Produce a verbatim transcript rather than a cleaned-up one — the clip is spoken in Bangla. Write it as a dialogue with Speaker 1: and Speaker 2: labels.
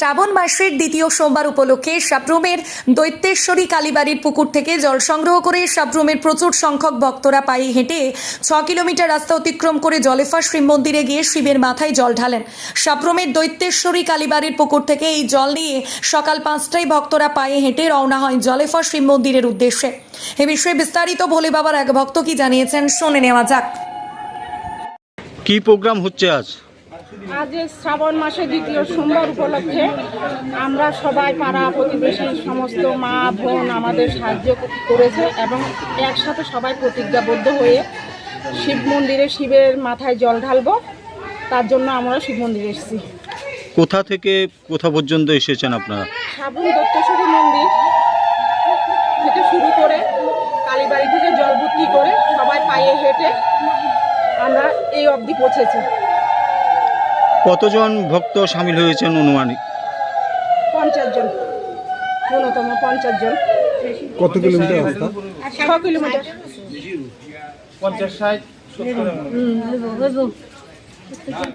Speaker 1: শ্রাবণ মাসের দ্বিতীয় সোমবার উপলক্ষে সাপ্রুমের দৈত্যেশ্বরী কালীবাড়ির পুকুর থেকে জল সংগ্রহ করে সাপ্রুমের প্রচুর সংখ্যক ভক্তরা পায়ে হেঁটে ছ কিলোমিটার রাস্তা অতিক্রম করে জলেফা শিব মন্দিরে গিয়ে শিবের মাথায় জল ঢালেন। সাপ্রুমের দৈত্যেশ্বরী কালীবাড়ির পুকুর থেকে এই জল নিয়ে সকাল পাঁচটায় ভক্তরা পায়ে হেঁটে রওনা হয় জলেফা শিব মন্দিরের উদ্দেশ্যে। এ বিষয়ে বিস্তারিত ভোলে বাবার এক ভক্ত কি জানিয়েছেন শুনে নেওয়া যাক।
Speaker 2: কি প্রোগ্রাম হচ্ছে আজ?
Speaker 3: আজ শ্রাবণ মাসের দ্বিতীয় সোমবার উপলক্ষে আমরা সবাই পাড়া প্রতিবেশী সমস্ত মা বোন আমাদের সাহায্য করেছে এবং একসাথে সবাই প্রতিজ্ঞাবদ্ধ হয়ে শিব মন্দিরে শিবের মাথায় জল ঢালবো। তার জন্য আমরা শিব মন্দিরে এসেছি।
Speaker 2: কোথা থেকে কোথা পর্যন্ত এসেছেন আপনারা?
Speaker 3: সাবুন দত্তেশ্বরী মন্দির থেকে শুরু করে কালীবাড়ি থেকে জল ভর্তি করে সবাই পায়ে হেঁটে আমরা এই অবধি পৌঁছেছি।
Speaker 2: কতজন ভক্ত সামিল হয়েছেন অনুমানিক?
Speaker 3: পঞ্চাশ জন, ন্যূনতম পঞ্চাশ জন।
Speaker 4: কত কিলোমিটার রাস্তা?
Speaker 3: ছ কিলোমিটার।
Speaker 5: পঞ্চাশ ষাট